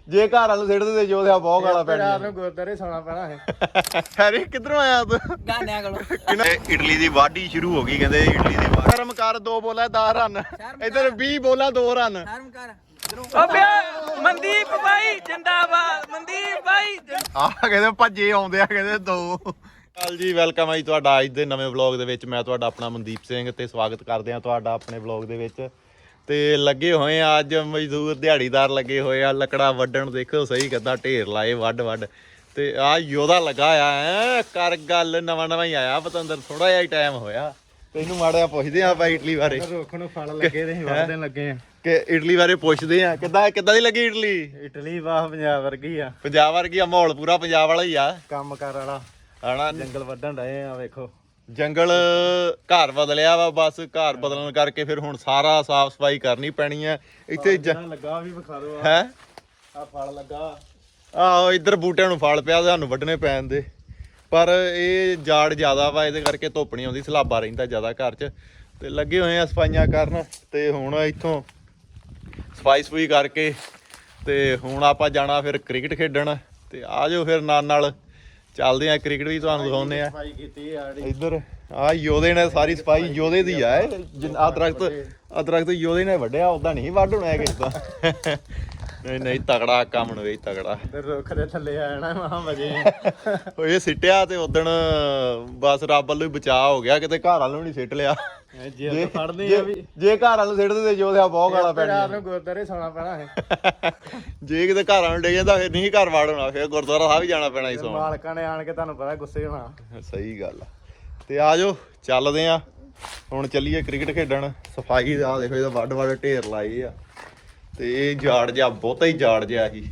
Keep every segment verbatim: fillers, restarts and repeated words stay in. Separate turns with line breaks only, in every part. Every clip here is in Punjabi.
ਜੇ ਘਰ ਵਾਲ ਨੂੰ ਸਿੱਟਦੇ ਤੇ ਜੋਧਿਆ ਬਹੁਤ ਗਾਲਾਂ ਪੈਣੀਆਂ।
ਰਾਤ ਨੂੰ ਗੁਰਦਾਰੇ ਸੌਣਾ ਪੈਣਾ ਹੈ।
ਹੈਰੀ ਕਿੱਧਰੋਂ ਆਇਆ ਤੂੰ?
ਗਾਨਿਆਂ ਕੋਲੋਂ।
ਇਟਲੀ ਦੀ ਵਾਢੀ ਸ਼ੁਰੂ ਹੋ ਗਈ ਕਹਿੰਦੇ ਇਟਲੀ ਦੀ ਵਾਢੀ। ਸ਼ਰਮ ਕਰ, ਦੋ ਬੋਲਾ ਦਸ ਰਨ, ਇੱਧਰ ਵੀਹ ਬੋਲਾ ਦੋ ਰਨ।
ਸ਼ਰਮ ਕਰ ਓਬੇ ਮਨਦੀਪ ਭਾਈ ਜਿੰਦਾਬਾਦ, ਮਨਦੀਪ ਭਾਈ।
ਆਹ ਕਹਿੰਦੇ ਭੱਜੇ ਆਉਂਦੇ ਆ ਕਹਿੰਦੇ ਦੋ। ਹਾਲ ਜੀ, ਵੈਲਕਮ ਹੈ ਜੀ ਤੁਹਾਡਾ ਅੱਜ ਦੇ ਨਵੇਂ ਵਲੌਗ ਦੇ ਵਿੱਚ। ਮੈਂ ਤੁਹਾਡਾ ਆਪਣਾ ਮਨਦੀਪ ਸਿੰਘ ਤੇ ਸਵਾਗਤ ਕਰਦੇ ਆ ਤੁਹਾਡਾ ਆਪਣੇ ਵਲੌਗ ਦੇ ਵਿੱਚ। ਤੇ ਲੱਗੇ ਹੋਏ ਆ ਅੱਜ ਮਜ਼ਦੂਰ ਦਿਹਾੜੀਦਾਰ ਲੱਗੇ ਹੋਏ ਆ ਲੱਕੜਾ ਵੱਢਣ। ਦੇਖੋ ਸਹੀ ਕਿੱਦਾਂ ਢੇਰ ਲਾਏ ਵੱਢ ਵੱਢ। ਤੇ ਆ ਯੋਧਾ ਲੱਗਾ ਆ ਐ ਕਰ ਗੱਲ, ਨਵਾਂ ਨਵਾਂ ਹੀ ਆਇਆ ਪਤੰਦਰ, ਥੋੜਾ ਜਿਹਾ ਹੀ ਟਾਈਮ ਹੋਇਆ। ਤੈਨੂੰ ਮਾੜਾ ਜਿਹਾ ਪੁੱਛਦੇ ਆ ਆਪਾਂ ਇਟਲੀ ਬਾਰੇ।
ਰੁੱਖ ਨੂੰ ਫਲ ਲੱਗੇ ਤੇ ਵੱਢਣ ਲੱਗੇ ਆ
ਕਿ ਇਟਲੀ ਬਾਰੇ ਪੁੱਛਦੇ ਆ ਕਿੱਦਾਂ ਕਿੱਦਾਂ ਦੀ ਲੱਗੀ ਇਟਲੀ?
ਇਟਲੀ ਵਾਹ ਪੰਜਾਬ ਵਰਗੀ ਆ।
ਪੰਜਾਬ ਵਰਗੀ ਆ, ਮਾਹੌਲ ਪੂਰਾ ਪੰਜਾਬ ਵਾਲਾ ਹੀ ਆ।
ਕੰਮ ਕਰ ਵਾਲਾ
ਹਨਾ,
ਜੰਗਲ ਵੱਢਣ ਡਏ ਆ। ਵੇਖੋ
ਜੰਗਲ ਘਰ ਬਦਲਿਆ ਵਾ, ਬਸ ਘਰ ਬਦਲਣ ਕਰਕੇ ਫਿਰ ਹੁਣ ਸਾਰਾ ਸਾਫ ਸਫਾਈ ਕਰਨੀ ਪੈਣੀ ਆ ਇੱਥੇ।
ਲੱਗਾ ਵੀ ਵਿਖਾ ਦੋ
ਹੈ
ਆ ਫਲ ਲੱਗਾ।
ਆਹੋ ਇੱਧਰ ਬੂਟਿਆਂ ਨੂੰ ਫਲ ਪਿਆ, ਸਾਨੂੰ ਵੱਢਣੇ ਪੈਣ ਦੇ। ਪਰ ਇਹ ਜਾੜ ਜ਼ਿਆਦਾ ਵਾ, ਇਹਦੇ ਕਰਕੇ ਧੁੱਪ ਨਹੀਂ ਆਉਂਦੀ, ਸਲਾਬਾ ਰਹਿੰਦਾ ਜ਼ਿਆਦਾ ਘਰ 'ਚ। ਤੇ ਲੱਗੇ ਹੋਏ ਆ ਸਫਾਈਆਂ ਕਰਨ। ਤੇ ਹੁਣ ਇੱਥੋਂ ਸਫਾਈ ਸਫੂਈ ਕਰਕੇ ਤੇ ਹੁਣ ਆਪਾਂ ਜਾਣਾ ਫਿਰ ਕ੍ਰਿਕਟ ਖੇਡਣ। ਤੇ ਆ ਜਾਓ ਫਿਰ ਨਾਲ ਨਾਲ ਚੱਲਦੇ ਆ, ਕ੍ਰਿਕਟ ਵੀ ਤੁਹਾਨੂੰ ਦਿਖਾਉਂਦੇ ਆ।
ਸਫਾਈ ਕੀਤੀ ਆ
ਇੱਧਰ ਆ ਯੋਧੇ ਨੇ ਸਾਰੀ ਸਫਾਈ ਯੋਧੇ ਦੀ ਆ। ਆ ਦਰਖਤ ਆ ਦਰਖਤ ਯੋਧੇ ਨੇ ਵੱਢਿਆ, ਉਦਾਂ ਨਹੀਂ ਵੱਢ ਹੋਣਾ ਹੈ ਕਿਸੇ ਦਾ। ਨਹੀਂ ਨਹੀਂ ਤਗੜਾ ਕੰਮ ਨੂੰ ਵੇ, ਤਗੜਾ।
ਤੇ ਰੁੱਖ ਦੇ ਥੱਲੇ ਆ ਜਾਣਾ ਮਹਾ ਮਜੇ।
ਉਹ ਇਹ ਸਿੱਟਿਆ ਤੇ ਉਦਣ ਬਸ ਰੱਬ ਵੱਲੋਂ ਹੀ ਬਚਾਅ ਹੋ ਗਿਆ, ਕਿਤੇ ਘਰ ਵਾਲੋਂ ਨਹੀਂ ਸਿੱਟ ਲਿਆ।
ਜੇ ਫੜਦੇ ਆ ਵੀ,
ਜੇ ਘਰ ਵਾਲੋਂ ਸਿੱਟਦੇ ਤੇ ਜੋਧਿਆ ਬਹੁਤ ਗਾਲਾਂ ਪੈਣੀਆਂ।
ਰਾਤ ਨੂੰ ਗੁਰਦਾਰੇ ਸੌਣਾ ਪੈਣਾ ਹੈ।
ਜੇ ਕਿਤੇ ਘਰ ਵਾਲੋਂ ਡੇ ਜਾਂਦਾ ਫਿਰ ਨਹੀਂ ਘਰ ਵਾੜ ਹੋਣਾ, ਫਿਰ ਗੁਰਦੁਆਰਾ ਸਾਹਿਬ ਹੀ ਜਾਣਾ ਪੈਣਾ ਸੀ ਸੌਣ।
ਮਾਲਕਾਂ ਨੇ ਆਣ ਕੇ ਤੁਹਾਨੂੰ ਪਤਾ ਗੁੱਸੇ ਹੋਣਾ।
ਸਹੀ ਗੱਲ ਆ। ਤੇ ਆ ਜਾਓ ਚੱਲਦੇ ਆ ਹੁਣ, ਚੱਲੀਏ ਕ੍ਰਿਕਟ ਖੇਡਣ। ਸਫਾਈ ਦਾ ਦੇਖੋ, ਇਹਦਾ ਵੱਡ ਵੱਡ ਢੇਰ ਲਾਏ ਆ। ਤੇ ਇਹ ਝਾੜ ਜਿਹਾ ਬਹੁਤਾ ਹੀ ਝਾੜ ਜਿਹਾ ਸੀ।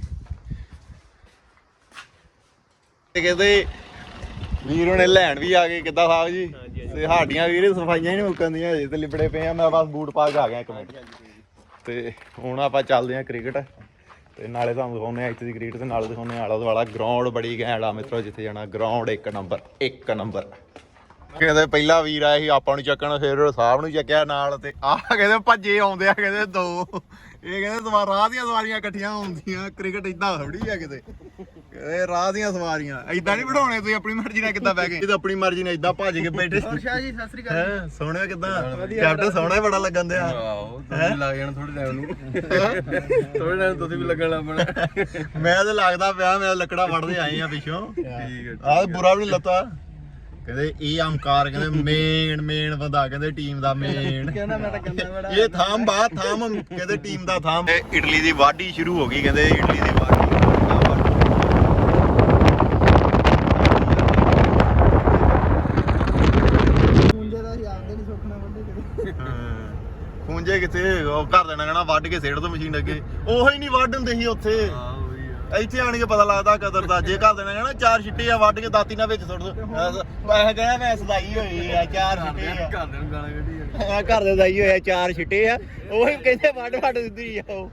ਕਹਿੰਦੇ ਵੀਰ ਹੁਣੇ ਲੈਣ ਵੀ ਆ ਗਏ। ਕਿੱਦਾਂ ਸਾਹਿਬ ਜੀ? ਤੇ ਸਾਡੀਆਂ ਵੀਰੇ ਸਫਾਈਆਂ ਹੀ ਨਹੀਂ ਮੁੱਕਣਦੀਆਂ ਹਜੇ ਤੇ ਲਿਬੜੇ ਪਏ ਆ। ਮੈਂ ਬਸ ਬੂਟ ਪਾ ਕੇ ਆ ਗਿਆ ਇੱਕ ਮਿੰਟ। ਤੇ ਹੁਣ ਆਪਾਂ ਚੱਲਦੇ ਆ ਕ੍ਰਿਕਟ। ਤੇ ਨਾਲੇ ਤੁਹਾਨੂੰ ਦਿਖਾਉਂਦੇ ਆ ਇੱਥੇ ਦੀ ਕ੍ਰਿਕਟ, ਤੇ ਨਾਲੇ ਦਿਖਾਉਂਦੇ ਆ ਆਲਾ ਦੁਆਲਾ। ਗਰਾਊਂਡ ਬੜੀ ਘੈਂਟ ਆ ਮਿੱਤਰੋ, ਜਿੱਥੇ ਜਾਣਾ ਗਰਾਊਂਡ ਇੱਕ ਨੰਬਰ ਇੱਕ ਨੰਬਰ। ਕਹਿੰਦੇ ਪਹਿਲਾ ਵੀਰ ਆਇਆ ਸੀ ਆਪਾਂ ਨੂੰ ਚੱਕਣ, ਫਿਰ ਸਾਹਿਬ ਨੂੰ ਚੱਕਿਆ ਨਾਲ। ਤੇ ਆਹ ਕਹਿੰਦੇ ਭੱਜੇ ਆਉਂਦੇ ਆ ਕਹਿੰਦੇ ਦੋ। ਇਹ ਕਹਿੰਦੇ ਸਵਾਰ ਰਾਹ ਦੀਆਂ ਸਵਾਰੀਆਂ ਇਕੱਠੀਆਂ ਹੁੰਦੀਆਂ। ਕ੍ਰਿਕਟ ਏਦਾਂ ਥੋੜੀ ਆ ਕਿਤੇ, ਕਹਿੰਦੇ ਰਾਹ ਦੀਆਂ ਸਵਾਰੀਆਂ ਏਦਾਂ ਨਹੀਂ ਬਿਠਾਉਣੇ ਤੁਸੀਂ ਆਪਣੀ ਮਰਜ਼ੀ ਨਾਲ। ਕਿੱਦਾਂ ਬਹਿ ਗਏ? ਇਹ ਤਾਂ ਆਪਣੀ ਮਰਜ਼ੀ ਨਾਲ ਏਦਾਂ ਭੱਜ ਕੇ ਬੈਠੇ।
ਸ਼ਾਹ ਜੀ ਸਤਿ ਸ੍ਰੀ ਅਕਾਲ।
ਹੈ ਸੋਹਣਾ ਕਿੱਦਾਂ? ਕੈਪਟਨ ਸੋਹਣਾ ਹੀ ਬੜਾ ਲੱਗਣ ਦਿਆ।
ਆਹੋ ਤੁਸੀਂ ਲੱਗ ਜਾਣਾ ਥੋੜੇ ਟਾਈਮ ਨੂੰ। ਥੋੜੇ ਟਾਈਮ ਤੁਸੀਂ ਵੀ ਲੱਗਣ ਲੱਗ ਪੈਣਾ।
ਮੈਂ ਤਾਂ ਲੱਗਦਾ ਪਿਆ, ਮੈਂ ਲੱਕੜਾ ਵੜਦੇ ਆਏ ਆ ਪਿੱਛੋਂ।
ਠੀਕ ਹੈ।
ਆਹ ਬੁਰਾ ਵੀ ਨਹੀਂ ਲੱਤਾ। ਕਹਿੰਦੇ ਇਹ ਅੰਕਾਰ ਕਹਿੰਦੇ ਮੇਨ ਮੇਨ ਬੰਦਾ, ਕਹਿੰਦੇ ਟੀਮ ਦਾ ਮੇਨ।
ਕਹਿੰਦਾ ਮੈਂ ਤਾਂ ਕਹਿੰਦਾ ਬੜਾ
ਇਹ ਥਾਮ ਬਾ ਥਾਮ ਕਹਿੰਦੇ ਟੀਮ ਦਾ ਥਾਮ। ਇਟਲੀ ਦੀ ਵਾਢੀ ਸ਼ੁਰੂ ਹੋ ਗਈ ਕਹਿੰਦੇ ਇਟਲੀ ਦੀ ਵਾਢੀ।
ਖੂੰਜੇ ਦਾ ਹੀ ਆਉਂਦੇ ਨਹੀਂ ਸੁੱਕਣਾ ਬੰਦੇ ਕਿਤੇ।
ਖੂੰਜੇ ਕਿੱਥੇ? ਉਹ ਘਰ ਦੇਣਾ ਕਹਿਣਾ ਵੱਢ ਕੇ ਸਿੱਟ ਦੋ ਮਸ਼ੀਨ ਅੱਗੇ। ਉਹੋ ਹੀ ਨਹੀਂ ਵੱਢ ਹੁੰਦੇ ਸੀ ਉੱਥੇ। ਇੱਥੇ ਆਣ ਕੇ ਪਤਾ ਲੱਗਦਾ ਕਦਰ ਦਾ। ਜੇ ਘਰ ਦੇਣਾ ਕਹਿਣਾ ਚਾਰ ਛਿੱਟੇ ਆ, ਵੱਢ ਕੇ ਦਾਤੀ ਨਾਲ ਵਿੱਚ ਸੁੱਟ ਦੋ। ਮੈਂ ਕਹਿੰਦਾ ਮੈਂ ਸਦਾਈ ਹੋਈ ਆ, ਚਾਰ ਛਿੱਟੇ ਆ।
ਘਰ ਦੇ ਨੂੰ ਗਾਲਾਂ ਕੱਢੀ
ਆ ਘਰ ਦੇ ਦਾਈ ਹੋਇਆ, ਚਾਰ ਛਿੱਟੇ ਆ। ਉਹੀ ਕਹਿੰਦੇ ਵੱਢ ਵੱਢ ਦਿੰਦੀ ਆ ਉਹ।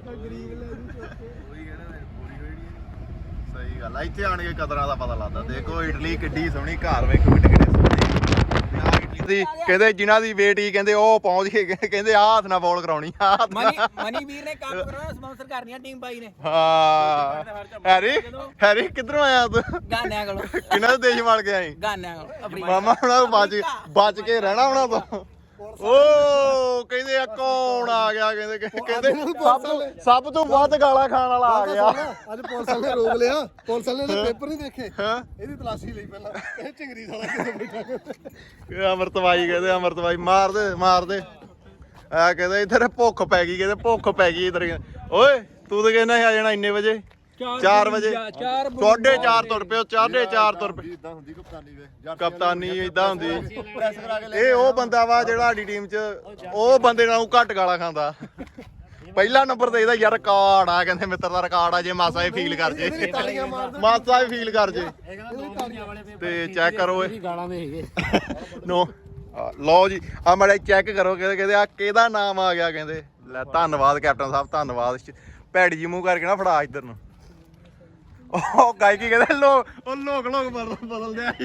ਸਹੀ ਗੱਲ ਆ, ਇੱਥੇ ਆਣ ਕੇ ਕਦਰਾਂ ਦਾ ਪਤਾ ਲੱਗਦਾ। ਦੇਖੋ ਇਟਲੀ ਕਿੱਡੀ ਸੋਹਣੀ, ਘਰ ਵੇਖੋ ਕਿੱਡੇ ਕਿੱਡੇ ਸੋਹਣੇ। ਦੀ ਕਹਿੰਦੇ ਜਿਨ੍ਹਾਂ ਦੀ ਬੇਟੀ ਕਹਿੰਦੇ ਉਹ ਪਹੁੰਚ ਕੇ ਕਹਿੰਦੇ ਆਹ ਹੱਥ ਨਾਲ ਬੋਲ ਕਰਾਉਣੀ ਆ।
ਮਨੀ ਮਨੀ ਵੀਰ ਨੇ ਕੰਮ ਕਰਾਉਣਾ, ਸਪਾਂਸਰ ਕਰਨੀਆਂ ਟੀਮ ਬਾਈ ਨੇ।
ਹਾਂ ਹੈਰੀ ਹੈਰੀ ਕਿੱਧਰੋਂ ਆਇਆ ਤੂੰ?
ਗਾਨਿਆਂ ਕੋਲੋਂ।
ਕਿਹਨਾਂ ਦੇ ਦੇਸ਼ ਵੜ ਕੇ ਆਈ?
ਗਾਨਿਆਂ ਕੋਲੋਂ ਆਪਣੀ
ਮਾਮਾ ਹੁਣਾਂ ਬਚ ਬਚ ਕੇ ਰਹਿਣਾ ਉਹਨਾਂ ਤੋਂ। ਓ ਕਹਿੰਦੇ ਆ ਕੌਣ ਆ ਗਿਆ? ਕਹਿੰਦੇ ਕਹਿੰਦੇ ਸਭ ਤੋਂ ਸਭ ਤੋਂ ਵੱਧ ਗਾਲਾਂ ਖਾਣ ਵਾਲਾ ਆ ਗਿਆ।
ਅੱਜ ਪੁਲਿਸ ਵਾਲੇ ਨੇ ਰੋਕ ਲਿਆ। ਪੁਲਿਸ ਵਾਲੇ ਨੇ ਪੇਪਰ ਨਹੀਂ ਦੇਖੇ,
ਹਾਂ
ਇਹਦੀ ਤਲਾਸ਼ੀ ਲਈ ਪਹਿਲਾਂ। ਇਹ ਚਿੰਗਰੀ ਸਾਲਾ ਕਿੱਥੇ ਬੈਠਾ।
ਇਹ ਅਮਰਤਵਾਈ ਕਹਿੰਦੇ ਅਮਰਤਵਾਈ ਮਾਰ ਦੇ ਮਾਰ ਦੇ। ਆ ਕਹਿੰਦੇ ਇੱਧਰ ਭੁੱਖ ਪੈ ਗਈ, ਕਹਿੰਦੇ ਭੁੱਖ ਪੈ ਗਈ ਇੱਧਰ। ਓਏ ਤੂੰ ਤਾਂ ਕਹਿੰਦਾ ਆ ਜਾਣਾ ਇੰਨੇ ਵਜੇ, ਚਾਰ ਵਜੇ। ਸਾਢੇ ਚਾਰ ਤੁਰ ਪਿਓ, ਸਾਢੇ ਚਾਰ ਤੁਰ ਪਏ।
ਇਦਾਂ ਹੁੰਦੀ ਕਪਤਾਨੀ ਵੇ,
ਕਪਤਾਨੀ ਏਦਾਂ ਹੁੰਦੀ। ਇਹ ਉਹ ਬੰਦਾ ਵਾ ਜਿਹੜਾ ਸਾਡੀ ਟੀਮ 'ਚ ਉਹ ਬੰਦੇ ਨਾਲੋਂ ਘੱਟ ਗਾਲਾਂ ਖਾਂਦਾ। ਪਹਿਲਾ ਨੰਬਰ ਤੇ ਇਹਦਾ ਯਾਰ ਰਿਕਾਰਡ ਆ, ਕਹਿੰਦੇ ਮਿੱਤਰ ਦਾ ਰਿਕਾਰਡ ਆ। ਜੇ ਮਾਸਾ ਹੀ ਫੀਲ ਕਰ ਜੇ, ਮਾਸਾ ਹੀ ਫੀਲ ਕਰ ਜੇ ਤੇ ਚੈੱਕ ਕਰੋ ਇਹ
ਗਾਲਾਂ ਦੇ ਹੈਗੇ।
ਨੋ ਲਓ ਜੀ ਆ ਮਾੜਾ ਚੈੱਕ ਕਰੋ। ਕਹਿੰਦੇ ਕਹਿੰਦੇ ਆ ਕਿਹਦਾ ਨਾਮ ਆ ਗਿਆ? ਕਹਿੰਦੇ ਲੈ ਧੰਨਵਾਦ ਕੈਪਟਨ ਸਾਹਿਬ, ਧੰਨਵਾਦ। ਭੈੜੀ ਜੀ ਮੂੰਹ ਕਰਕੇ ਨਾ ਫੜਾ ਇੱਧਰ ਨੂੰ। ਉਹ ਗਾਇਕੀ ਕਹਿੰਦੇ ਲੋਕ ਉਹ ਲੋਕ ਲੋਕ ਬਦਲ ਬਦਲਦੇ ਆ।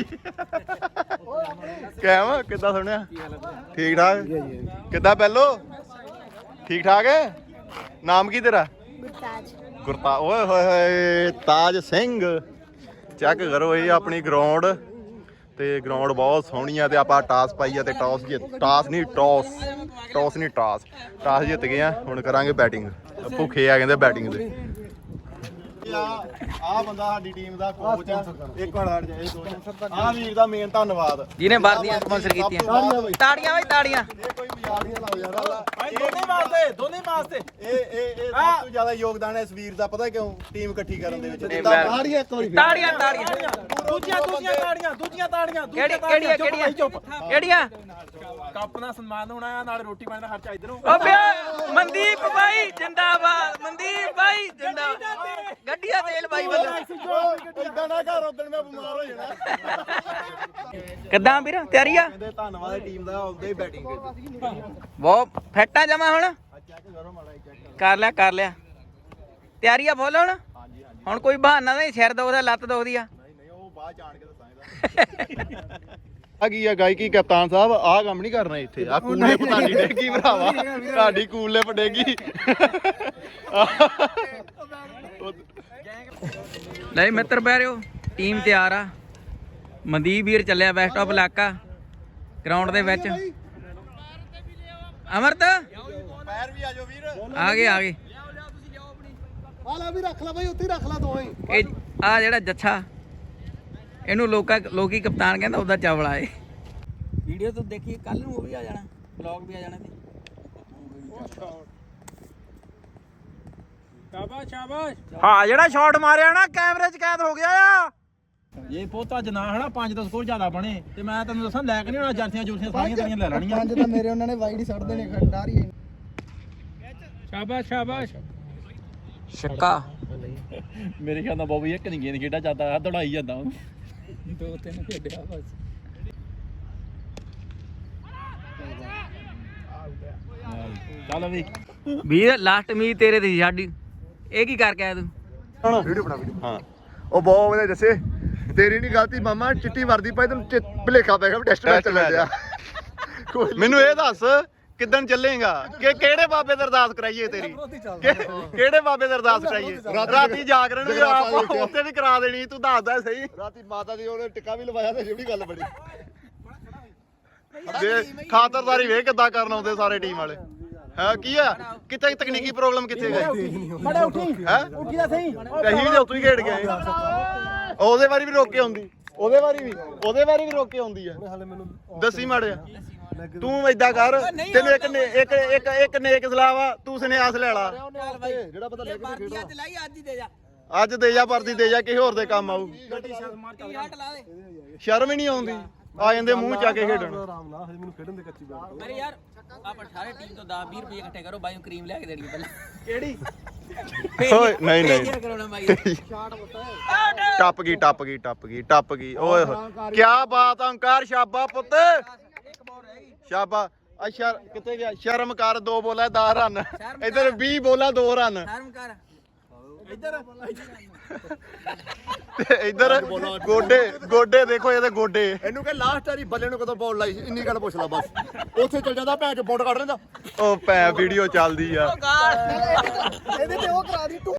ਕਹਿਮ ਕਿੱਦਾਂ ਸੁਣਿਆ? ਠੀਕ ਠਾਕ ਕਿੱਦਾਂ ਪਹਿਲੋ? ਠੀਕ ਠਾਕ ਹੈ। ਨਾਮ ਕੀ ਤੇਰਾ?
ਗੁਰਤਾਜ।
ਗੁਰਤਾ ਓਏ ਹੋਏ ਹੋਏ ਤਾਜ ਸਿੰਘ ਚੈੱਕ ਕਰੋ ਇਹ ਆਪਣੀ ਗਰਾਊਂਡ ਤੇ ਗਰਾਊਂਡ ਬਹੁਤ ਸੋਹਣੀ ਆ ਤੇ ਆਪਾਂ ਟਾਸ ਪਾਈ ਆ ਤੇ ਟਾਸ ਜਿੱਤ ਟਾਸ ਨਹੀਂ ਟਾਸ ਟਾਸ ਨਹੀਂ ਟਾਸ ਟਾਸ ਜਿੱਤ ਗਏ ਆ ਹੁਣ ਕਰਾਂਗੇ ਬੈਟਿੰਗ ਭੁੱਖੇ ਆ ਕਹਿੰਦੇ ਬੈਟਿੰਗ ਦੇ ਆ ਆ ਬੰਦਾ ਸਾਡੀ ਟੀਮ ਦਾ ਕੋਚ ਆ ਇੱਕ ਮਿੰਟ ਹਟ ਜਾ ਇਹ ਦੋ ਆ ਵੀਰ ਦਾ ਮੇਨ ਧੰਨਵਾਦ
ਜਿਹਨੇ ਵਰਦੀਆਂ ਸਪਾਂਸਰ ਕੀਤੀਆਂ ਤਾੜੀਆਂ ਬਈ ਤਾੜੀਆਂ
ਇਹ ਕੋਈ ਮਜ਼ਾਕ ਨਹੀਂ ਲਾਓ ਯਾਰ
ਭਾਈ ਦੋਨੇ ਵਾਸਤੇ ਦੋਨੇ ਵਾਸਤੇ
ਇਹ ਇਹ ਇਹ ਸਭ ਤੋਂ ਜ਼ਿਆਦਾ ਯੋਗਦਾਨ ਹੈ ਇਸ ਵੀਰ ਦਾ ਪਤਾ ਕਿਉਂ ਟੀਮ ਇਕੱਠੀ ਕਰਨ ਦੇ ਵਿੱਚ
ਮੈਂ-
ਤਾੜੀਆਂ ਇੱਕ ਵਾਰੀ
ਤਾੜੀਆਂ ਤਾੜੀਆਂ
ਦੂਜੀਆਂ ਦੂਜੀਆਂ ਤਾੜੀਆਂ ਦੂਜੀਆਂ ਤਾੜੀਆਂ
ਕਿਹੜੀ
ਦੂਜੀਆਂ
ਕਿਹੜੀਆਂ
ਚੁੱਪ ਭਾਈ, ਚੁੱਪ
ਕਿਹੜੀਆਂ
ਕੱਪ ਦਾ ਸਨਮਾਨ ਹੋਣਾ ਆ ਨਾਲ ਰੋਟੀ ਪਾਣੀ ਦਾ ਖਰਚਾ ਇਧਰੋਂ
ਓ ਬਿਆ ਮਨਦੀਪ ਭਾਈ ਜਿੰਦਾਬਾਦ ਮਨਦੀਪ ਭਾਈ ਜਿੰਦਾਬਾਦ ਗੱਡੀਆਂ ਤੇਲ ਭਾਈ ਵੱਲੋਂ
ਇਦਾਂ ਨਾ ਕਰ ਉਦੋਂ ਮੈਂ ਬਿਮਾਰ ਹੋ ਜਾਣਾ
ਕਿੱਦਾਂ ਵੀਰ ਤਿਆਰੀ ਆ
ਕਹਿੰਦੇ ਧੰਨਵਾਦ ਟੀਮ ਦਾ ਆਉਂਦੇ ਹੀ ਬੈਟਿੰਗ
ਬਹੁਤ ਫੈਟਾਂ ਜਮਾ ਹੁਣ
ਚੈੱਕ ਕਰੋ ਮਾੜਾ ਚੈੱਕ
ਕਰ ਲਿਆ ਕਰ ਲਿਆ ਤਿਆਰੀ ਆ ਫੁੱਲ ਹੁਣ ਹੁਣ ਕੋਈ ਬਹਾਨਾ ਨਹੀਂ ਸਿਰ ਦੁਖਦਾ ਲੱਤ ਦੁਖਦੀ ਆ
ਨਹੀਂ ਨਹੀਂ ਉਹ ਬਾਅਦ ਜਾਣ ਕੇ ਦੱਸਾਂਗਾ ਆ ਕੀ ਆ ਗਾਇਕੀ ਕਪਤਾਨ ਸਾਹਿਬ ਆਹ ਕੰਮ ਨਹੀਂ ਕਰਨਾ ਇੱਥੇ ਆ ਕੂਲੇ ਪਤਾਨੀ ਡੇਗੀ ਭਰਾਵਾ ਤੁਹਾਡੀ ਕੂਲੇ ਪੜੇਗੀ
ਲੈ ਮਿੱਤਰ ਬਹਿਰਿਓ ਟੀਮ ਤਿਆਰ ਆ ਮਨਦੀਪ ਵੀਰ ਚੱਲਿਆ ਬੈਸਟ ਆਫ ਇਲਾਕਾ ਗਰਾਊਂਡ ਦੇ ਵਿੱਚ ਅਮਰਤ
ਪੈਰ ਵੀ ਆ ਜਾਓ ਵੀਰ
ਆ ਗਏ ਆ ਗਏ
ਆਲਾ ਵੀ ਰੱਖ ਲੈ ਬਾਈ ਉੱਥੇ ਰੱਖ ਲੈ ਦੋਵੇਂ
ਇਹ ਆ ਜਿਹੜਾ ਜੱਛਾ ਇਹਨੂੰ ਲੋਕਾਂ ਲੋਕੀ ਕਪਤਾਨ ਕਹਿੰਦਾ ਉਹਦਾ ਚਾਵਲਾ ਏ ਵੀਡੀਓ ਤੋਂ ਦੇਖੀ ਕੱਲ ਨੂੰ ਉਹ ਵੀ ਆ ਜਾਣਾ ਵਲੌਗ ਵੀ ਆ ਜਾਣਾ ਤੇ
ਸ਼ਾਬਾਸ਼ ਸ਼ਾਬਾਸ਼
ਹਾਂ ਜਿਹੜਾ ਸ਼ਾਟ ਮਾਰਿਆ ਨਾ ਕੈਮਰੇ 'ਚ ਕੈਦ ਹੋ ਗਿਆ ਆ
ਇਹ ਪੋਤਾ ਜਨਾ ਹਨਾ ਪੰਜ ਦਸ ਸਕੋਰ ਜ਼ਿਆਦਾ ਬਣੇ ਤੇ ਮੈਂ ਤੈਨੂੰ ਦੱਸਾਂ ਲੈ ਕੇ ਨਹੀਂ ਹੋਣਾ ਜਰਸੀਆਂ ਜੁਰਸੀਆਂ ਸਾਰੀਆਂ ਤੇਰੀਆਂ ਲੈ ਲੈਣੀਆਂ
ਪੰਜ ਤਾਂ ਮੇਰੇ ਉਹਨਾਂ ਨੇ ਵਾਈਡ ਹੀ ਛੱਡ ਦੇਣੇ ਖੰਡਾਰ ਹੀ
ਸ਼ਾਬਾਸ਼ ਸ਼ਾਬਾਸ਼
ਛੱਕਾ
ਮੇਰੇ ਖਿਆਲ ਨਾਲ ਬਾਬੂ ਇੱਕ ਨਹੀਂ ਗੇਂਦ ਖੇਡਾ ਜਾਂਦਾ ਦੌੜਾਈ ਜਾਂਦਾ ਦੋ ਤਿੰਨ ਖੇਡਿਆ ਬਸ ਚੱਲ ਵੀ
ਵੀਰ ਲਾਸਟ ਉਮੀਦ ਤੇਰੇ ਤੇ ਸੀ ਸਾਡੀ ਇਹ ਕੀ ਕਰਕੇ ਆਇਆ ਤੂੰ
ਵੀਡੀਓ ਬਣਾ ਵੀਡੀਓ ਹਾਂ ਉਹ ਬਹੁਤ ਵਧੀਆ ਦੱਸੇ ਤੇਰੀ ਨਹੀਂ ਗਲਤੀ ਮਾਮਾ ਚਿੱਟੀ ਵਰਦੀ ਪਾਈ ਤੈਨੂੰ ਭਲੇਖਾ ਪੈ ਗਿਆ ਟੈਸਟ ਮੈਚ ਚੱਲ ਗਿਆ ਮੈਨੂੰ ਇਹ ਦੱਸ ਕਿੱਦਣ ਚੱਲੇਗਾ ਕਿ ਕਿਹੜੇ ਬਾਬੇ ਦੀ ਅਰਦਾਸ ਕਰਾਈਏ ਤੇਰੀ ਕਿ- ਕਿਹੜੇ ਬਾਬੇ ਦੀ ਅਰਦਾਸ ਕਰਾਈਏ ਰਾਤੀ ਜਾਗਰਣ ਵੀ ਆਪ ਉੱਥੇ ਵੀ ਕਰਾ ਦੇਣੀ ਤੂੰ ਦੱਸਦਾ ਸਹੀ ਰਾਤੀ ਮਾਤਾ ਦੀ ਉਹਨੇ ਟਿੱਕਾ ਵੀ ਲਵਾਇਆ ਤੇ ਜਿਹੜੀ ਗੱਲ ਬਣੀ ਦੇ ਖਾਤਰਦਾਰੀ ਵੇਖ ਕਿੱਦਾਂ ਕਰਨ ਆਉਂਦੇ ਸਾਰੇ ਟੀਮ ਵਾਲੇ ਹੈ ਕੀ ਆ ਕਿੱਥੇ ਤਕਨੀਕੀ ਪ੍ਰੋਬਲਮ ਕਿੱਥੇ ਗਈ
ਬੜਾ ਉੱਠੀ
ਹੈ
ਉੱਠੀ ਦਾ ਸਹੀ
ਕਹੀਂ ਵੀ ਉੱਤੋਂ ਹੀ ਖੇਡ ਗਏ ਉਹਦੇ ਵਾਰੀ ਵੀ ਰੋਕ ਕੇ ਆਉਂਦੀ ਉਹਦੇ ਵਾਰੀ ਵੀ ਉਹਦੇ ਵਾਰੀ ਵੀ ਰੋਕ ਕੇ ਆਉਂਦੀ ਆ ਦੱਸੀ ਮਾੜਿਆ ਤੂੰ ਏਦਾਂ ਕਰ ਤੈਨੂੰ ਇੱਕ ਨੇ ਇੱਕ ਇੱਕ ਇੱਕ ਨੇਕ ਸਲਾਹ ਵਾ ਤੂੰ ਸੁਨੇਹਾਸ ਲੈ ਲਾ ਜਿਹੜਾ ਪਤਾ ਲੈ ਕੇ ਖੇਡਣਾ
ਲਾਈ ਅੱਜ ਹੀ ਦੇ ਜਾ
ਅੱਜ ਦੇ ਜਾ ਵਰਦੀ ਦੇ ਜਾ ਕਿਸੇ ਹੋਰ ਦੇ ਕੰਮ ਆਊ
ਹਟ ਲਾ ਦੇ
ਸ਼ਰਮ ਹੀ ਨਹੀਂ ਆਉਂਦੀ ਆ ਜਾਂਦੇ ਮੂੰਹ ਚਾ ਕੇ ਖੇਡਣ
ਅਰੇ ਯਾਰ ਆਪਾਂ ਸਾਰੇ ਟੀਮ ਤੋਂ ਦਸ ਵੀਹ ਰੁਪਏ ਇਕੱਠੇ ਕਰੋ ਬਾਈ ਨੂੰ ਕਰੀਮ ਲਿਆ ਕੇ ਦੇਣੀ ਪਹਿਲਾਂ ਕਿਹੜੀ
ਓਏ ਨਹੀਂ ਨਹੀਂ
ਕਰਾਉਣਾ ਬਾਈ
ਟੱਪ ਗਈ ਟੱਪ ਗਈ ਟੱਪ ਗਈ ਟੱਪ ਗਈ ਓਏ ਹੋਏ ਕੀ ਬਾਤ ਆ ਓਂਕਾਰ ਸ਼ਾਬਾ ਪੁੱਤ ਸ਼ਾਬਾ ਅੱਛਾ ਕਿੱਥੇ ਗਿਆ ਸ਼ਰਮ ਕਰ ਦੋ ਬੋਲਾ ਦਸ ਰਨ ਇਧਰ ਵੀਹ ਬੋਲਾ ਦੋ ਰਨ
ਸ਼ਰਮ ਕਰ
ਇੱਧਰ
ਤੇ ਇਧਰ ਗੋਡੇ ਗੋਡੇ ਦੇਖੋ ਇਹਦੇ ਗੋਡੇ
ਇਹਨੂੰ ਕਹ ਲਾਸਟ ਵਾਰੀ ਬੱਲੇ ਨੂੰ ਕਦੋਂ ਬਾਲ ਲਾਈ ਸੀ ਇੰਨੀ ਗੱਲ ਪੁੱਛ ਲੈ ਬਸ ਉੱਥੇ ਚਲ ਜਾਂਦਾ ਭੈਣ ਚ ਬੌਂਡ ਕੱਢ ਲੈਂਦਾ
ਉਹ ਭੈ ਵੀਡੀਓ ਚੱਲਦੀ ਆ
ਇਹਦੇ ਤੇ ਉਹ ਕਰਾ ਦੀ